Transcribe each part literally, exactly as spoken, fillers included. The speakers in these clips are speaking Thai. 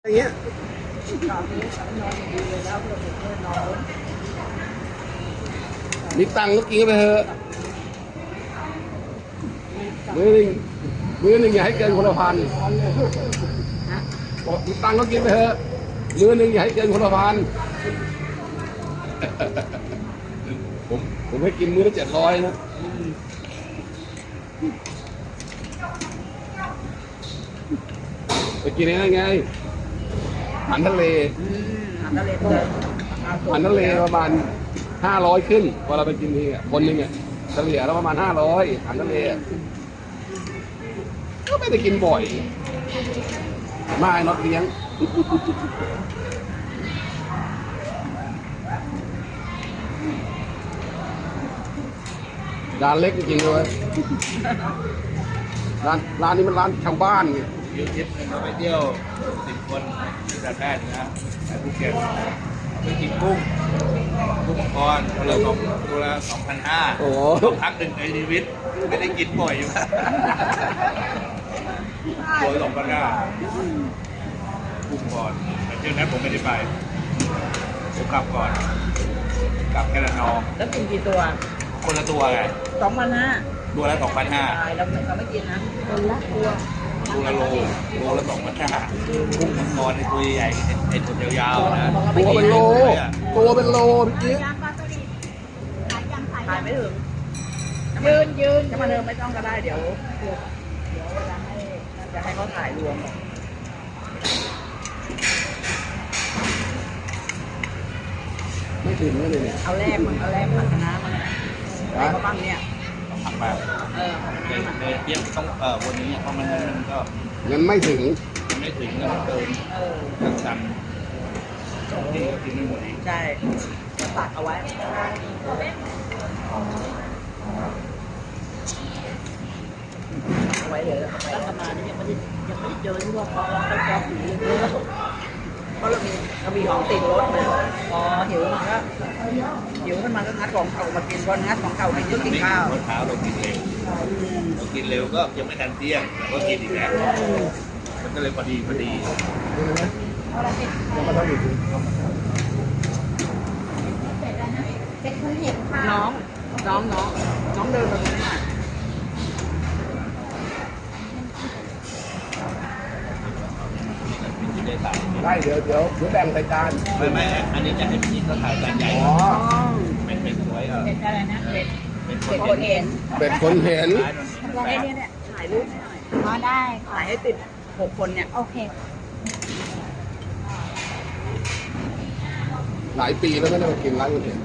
อย่างเงี้ยมีตังค์ก็กินไปเถอะมือหนึ่งมือหนึ่งอย่าให้เกินคนละพันบอกมีตังค์ก็กินไปเถอะมือหนึ่งอย่าให้เกินคนละพันผมผมให้กินมื้อละเจ็ดร้อยนะไปกินอะไรไงอาหารทะเลอาหารทะเลอาหารทะเลประมาณห้าร้อยขึ้นเวลาไปกินทีอ่ะคนหนึ่งอ่ะเฉลี่ยแล้วประมาณห้าร้อยอาหารทะเลก็ไม่ได้กินบ่อยไม่น็อตเลี้ยงร้านเล็กจริงๆเลยร้านร้านนี้มันร้านชาวบ้านไงยูทิปเราไปเที่ยวสิบคนที่ประเทศนะไปภูเก็ตไปกินกุ้งกุ้งมังกรตัวละสองตัวละสองพันห้าโอ้พักหนึ่งในชีวิตไม่ได้กินบ่อยอยู่ตัวสองพันห้ากุ้งก่อนแต่เที่ยวนั้นผมไม่ได้ไปผมกลับก่อนกลับแค่ละนองแล้วกินกี่ตัวคนละตัวไงสองพันห้าตัวละสองพันห้าเราเราไม่กินนะคนละตัวตัวละโลโลละสองพันห้ากุ้งมังกรในตัวใหญ่ไอ้ตัวยาวๆนะตัวเป็นโลตัวเป็นโลพี่ถ่ายไม่ถึงยืนยืนจะมาเดินไม่ต้องก็ได้เดี๋ยวเดี๋ยวเวลาให้จะให้เขาถ่ายรวมไม่ถึงเลยเนี่ยเอาแรกมันเอาแรกผัดคณะมันอะไรก็บ้างเนี่ยผักแบบเออเเทียบต้องเออวันนี้เพราะมันมันก็เงินไม่ถึงมันไม่ถึงเงินเกินเออสั่งสองที่ก็กินไม่หมดอีกใช่ตัดเอาไว้เอาไว้เลยแล้วไปทำงานนี่ยังไม่ได้ยังไม่ได้เจอที่ว่าเขาเราไปแก๊สอยู่เยอะเพราะเรามีเรามีของติดรถเลยพอหิวมันก็หิวขึ้นมาก็งัดของเก่ามากินพองัดของเก่ากินก็กินข้าวเช้าเรากินเร็วเรากินเร็วก็ยังไม่ทันเที่ยงเราก็กินอีกแล้วมันก็เลยพอดีพอดีน้องน้องน้องน้องเดินมาตรงนี้ได้เดี๋ยวเดี๋ยวเดี๋ยวแบ่งใส่จานไม่ไม่อันนี้จะให้พี่เขาถ่ายจานใหญ่อ๋อเป็นเป็นสวยเออเป็นอะไรนะเป็นเป็นคนเห็นเป็นคนเห็นเนี่ยเนี่ยถ่ายรูปหน่อยอ๋อได้ถ่ายให้ติดหกคนเนี่ยโอเคหลายปีแล้วไม่ได้มากินร้านคนเห็น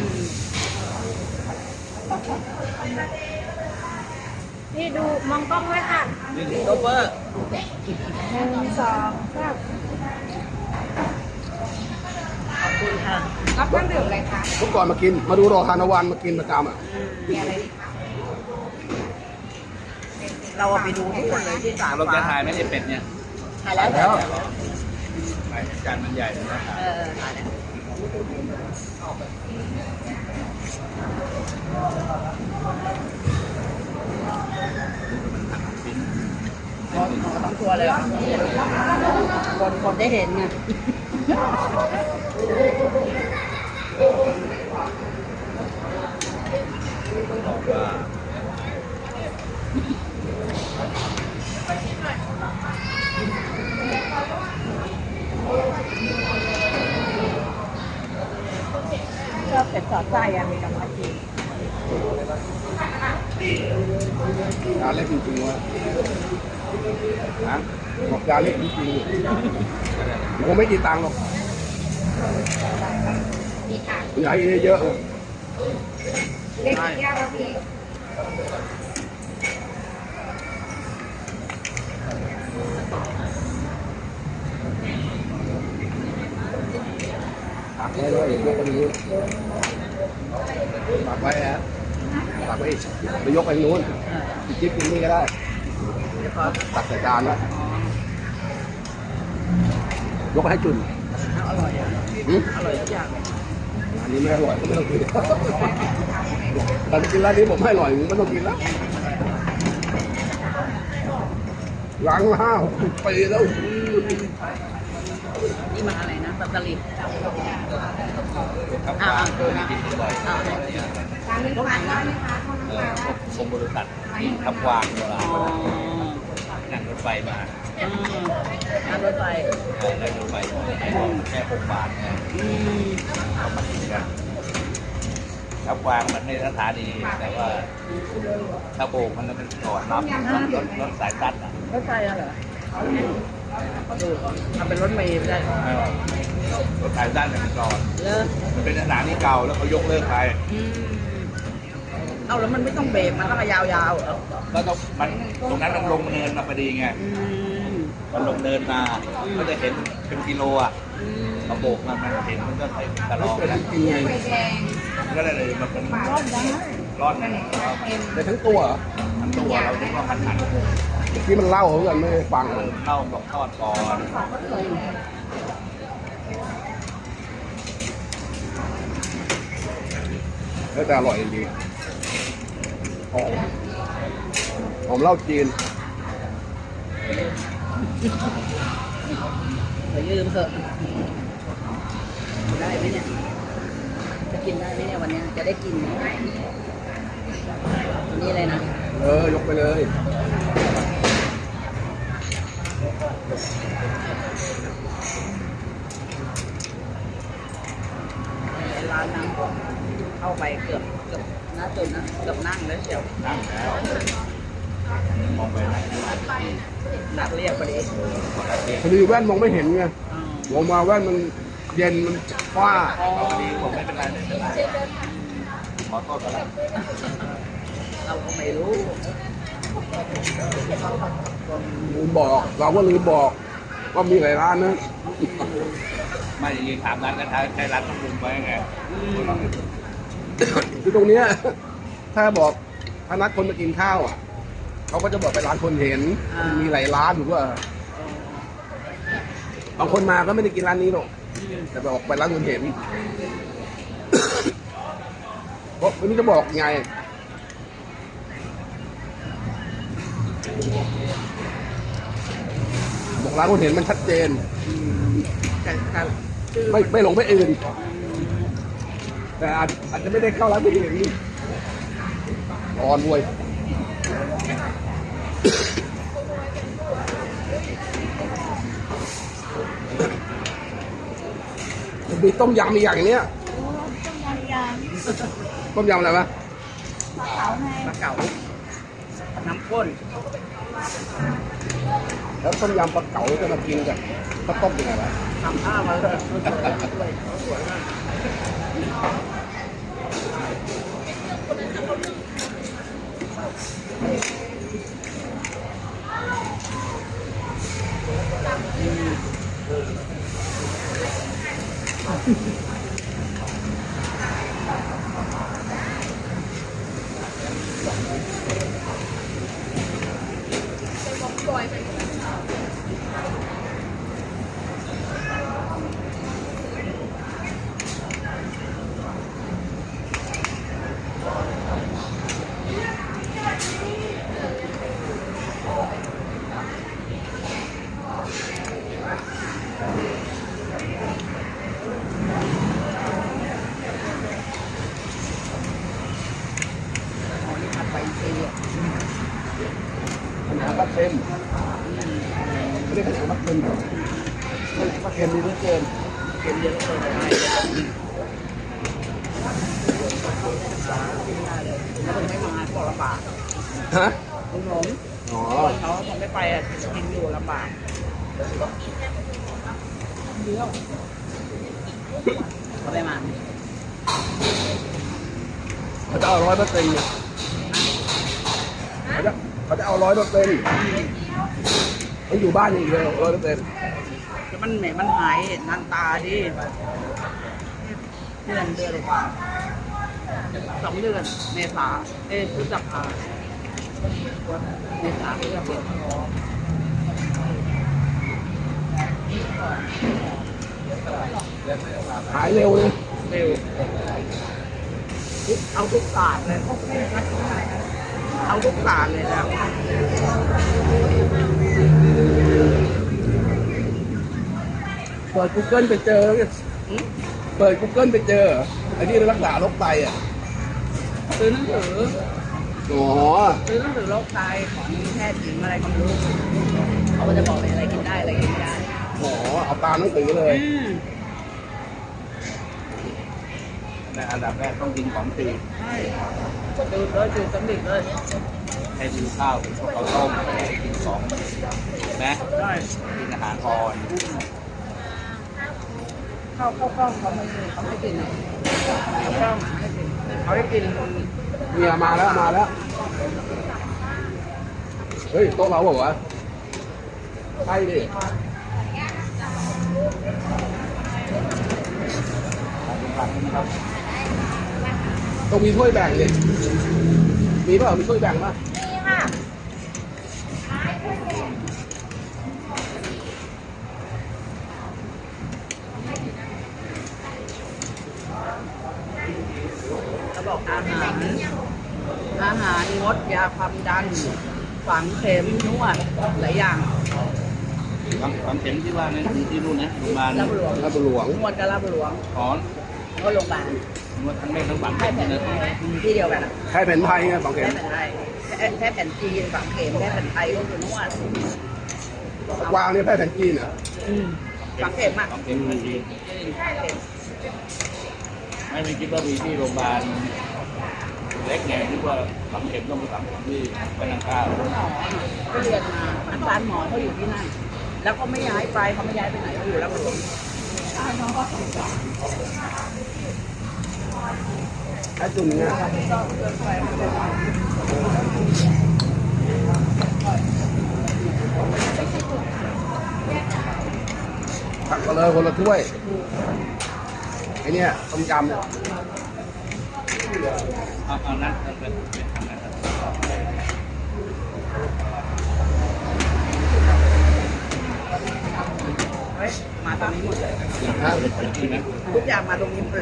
นี่ดูมองกล้องไว้ค่ะนี่โรเบอร์หนึ่งสองสามขอบคุณค่ะรับเครื่องดื่มอะไรคะทุกก่อนมากินมาดูรอทานวันมากินประจำอ่ะมีอะไรดีคะเราไปดูทุกคนเลยที่สามเราจะถ่ายไม่ได้เป็ดเนี่ยถ่ายแล้วถ่ายแล้วถ่ายจานมันใหญ่เลยนะเออถ่ายแล้วทั้งตัวเลยคนคนได้เห็นไงก็เป็ดสอดไส้อะมีกำลังกินร้านเล็กจริงๆวะนะบอกร้านเล็กจริงๆมันคงไม่กี่ตังค์หรอกใหญ่เยอะเล็กยากแล้วพี่ตักไว้เลยยกไปนี้ตักไว้ฮะตักไว้ไปยกไปนู้นจิ๊บกินนี่ก็ได้ตักใส่จานนะยกไปให้จุนอร่อยอ่ะอร่อยทุกอย่างอันนี้ไม่อร่อยก็ไม่ต้องกินแต่กินร้านนี้ผมไม่อร่อยไม่ต้องกินแล้วล้างมาห้าหกสิบปีแล้วนี่มันอะไรนะปัตตานีครับอ่าว่าอ่าเคยกินบ่อยอ่าร้านนี้ทานได้ไหมคะโทษเอนะอคะกรมบริษัทที่ทับวางโบราณอ๋อนั่งรถไฟมาอืมนั่งรถไฟเออนั่งรถไฟมาแค่หกบาทไงอืมเขามากินกันทับวางมันไม่สถานีแต่ว่าถ้าโบกมันแล้วมันจอดรับรถรถรถสายตัดอ่ะรถไฟอะเหรอดูทำเป็นรถเมล์ไปได้เออรถสายตัดเนี่ยมันจอดเลิกมันเป็นสถานีเก่าแล้วเขายกเลิกไปอืมเอาแล้วมันไม่ต้องเบรกมันต้องยาวๆเหรอแล้วก็มันตรงนั้นมันลงเนินมาพอดีไงอืมมันลงเนินมาก็จะเห็นเป็นกิโลอ่ะอืมเขาโบกมามันเห็นมันก็ใส่กระรอกเป็นนะจริงไงไฟแดงก็เลยมันเป็นรอดได้รอดนะในทั้งตัวเหรอทั้งตัวเราคิดว่าพันหันที่มันเล่าเขากันไม่ได้ฟังเออเล่าบอกทอดก่อนแล้วแต่อร่อยดีหอมหอมเหล้าจีนไปยืมเถอะได้ไหมเนี่ย จะกินได้ไหมเนี่ยวันเนี้ยจะได้กินไหมอันนี่เลยนะเออยกไปเลยร้านนั้นเข้าไปเกือบเกือบน่าจนนะเกือบนั่งแล้วเชียวนั่งแล้วมองไปไหนนัดเรียกพอดีพอดีแว่นมองไม่เห็นไงอ๋อมองมาแว่นมันเย็นมันฟ้าพอดีผมไม่เป็นไรไม่เป็นไรขอโทษก็แล้วเราก็ไม่รู้ลืมบอก เราก็ลืมบอก ว่ามีหลายร้านนะไม่ยิงถามร้านกระทะใช้ร้านต้องลุงไว้ไงคือตรงเนี้ยถ้าบอกถ้านัดคนมากินข้าวอ่ะเขาก็จะบอกไปร้านคนเห็น มีหลายร้านถูกป่ะบางคนมาก็ไม่ได้กินร้านนี้หรอกแต่บอกไปร้านคนเห็น เพราะไม่รู้จะบอกไงบอกร้านคนเห็นมันชัดเจนแต่แต่ชื่อไม่ไม่หลงไม่อื่น แต่อาจอาจจะไม่ได้เข้าร้านคนเห็นร้อนด้วยมีต้มยำอีกอย่างเนี้ยต้มยำอะไรวะปลาเก๋าน้ำข้นแล้วต้มยำปลาเก๋าจะมากินกับข้าวต้มยังไงวะทำข้าวมาเลยสวยสวยมาก อ๋อนี่ผัดไปเองปัญหาปลาเค็มไม่ได้ปัญหาปลาเค็มปลาเค็มมีเหลือเกินเค็มเยอะเลยได้แล้วมันไม่มาก็ลำบากฮะลุงหลงอ๋อเขาทำไม่ไปอ่ะกินอยู่ลำบากเขาได้มาเขาจะเอาร้อยเปอร์เซ็นต์เนี่ยเขาจะเขาจะเอาร้อยเปอร์เซ็นต์เขาอยู่บ้านอย่างเดียวร้อยเปอร์เซ็นต์แล้วมันแหมมันหายนานตาดิเดือนเดือนกว่าสองเดือนเมษาเอ้ยพฤษภาเมษาพฤษภาหายเร็วเลยเร็วเอาทุกศาสตร์เลยเอาทุกศาสตร์เลยนะเปิด Google ไปเจอหืมเปิด Google ไปเจอไอ้ที่รักษาโรคไตอ่ะซื้อหนังสืออ๋อซื้อหนังสือโรคไตของแพทย์หญิงอะไรก็ไม่รู้เขาก็จะบอกเลยอะไรกินได้อะไรกินไม่ได้อ๋อเอาตามหนังสือเลยอืมในอันดับแรกต้องกินของตีใช่ดูดเลยดูดสำลิดเลยให้กินข้าวกินพวกข้าวต้มกินของนะใช่กินอาหารอ่อนเข้าเข้ากล้องเขาไม่เขาไม่กินอ่ะเข้ากล้องไม่กินเขาให้กินเมียมาแล้วมาแล้ว เฮ้ยโต๊ะเราบอกว่าวะใช่ดิต้องมีถ้วยแบ่งดิมีเปล่ามีถ้วยแบ่งป่ะนี่ค่ะเขาบอกอาหาร อาหารงดยาความดัน ฝังเข็มนวดหลายอย่างความความเข็มที่ว่านั่นคือที่นู่นนะโรงพยาบาลรับหลวงลาดหลวงนวดกับรับหลวงถอนก็โรงพยาบาลนวดทั้งแม่ทั้งฝังแพเข็ทมย์แผนนะไทยที่เดียวกันอะใครแผ่นไทยไงสองแพเข็ทมย์แผนไทยแพทย์แผนจีนฝังเข็มแพทย์แผนไทยก็คือนวดกวางนี่แพทย์แผนจีนเหรอฝังเข็มอ่ะฝังเข็มทันทีฝังเข็มไม่ไม่คิดว่ามีที่โรงพยาบาลเล็กไงคิดว่าฝังเข็มต้องไปฝังเข็มที่พนังข้าวหมอก็เรียนมาอาจารย์หมอเขาอยู่ที่นั่น แล้วเขาไม่ย้ายไปเขาไม่ย้ายไปไหนเขาอยู่รับหลวงไอ้จุ่มเนี่ยตักมาเลยคนละถ้วยไอ้เนี่ยต้มยำเนี่ยเอาเอานั้นเอาเป็นเป็นทางนั้นเฮ้ยมาตรงนี้หมดเลยฮะใช่ไหมทุกอย่างมาตรงนี้หมดเลย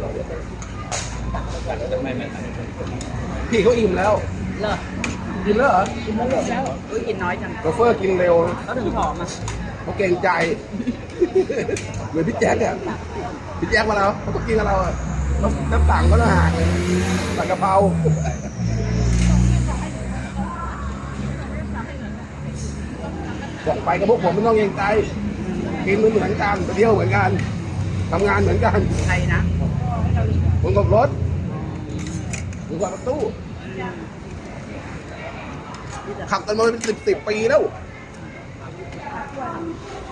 ไม่ไม่ไม่พี่เขาอิ่มแล้วเลิกกินแล้วเหรอกินแล้วแล้วอุ้ยกินน้อยจังโชเฟอร์กินเร็วเขาถึงผอมอ่ะเขาเกรงใจ เหมือนพี่แจ๊คเนี่ยพี่แจ๊คมาเราเขาต้องกินกับเราอะน้ำน้ำต่างก็ต้องห่างเลยสั่งกะเพราบอกไปกับพวกผมไม่ต้องเกรงใจกินเหมือนเหมือนกันไปเที่ยวเหมือนกันทำงานเหมือนกันใครนะผมขับรถผมขับรถตู้ขับกันมาเป็นสิบสิบปีแล้ว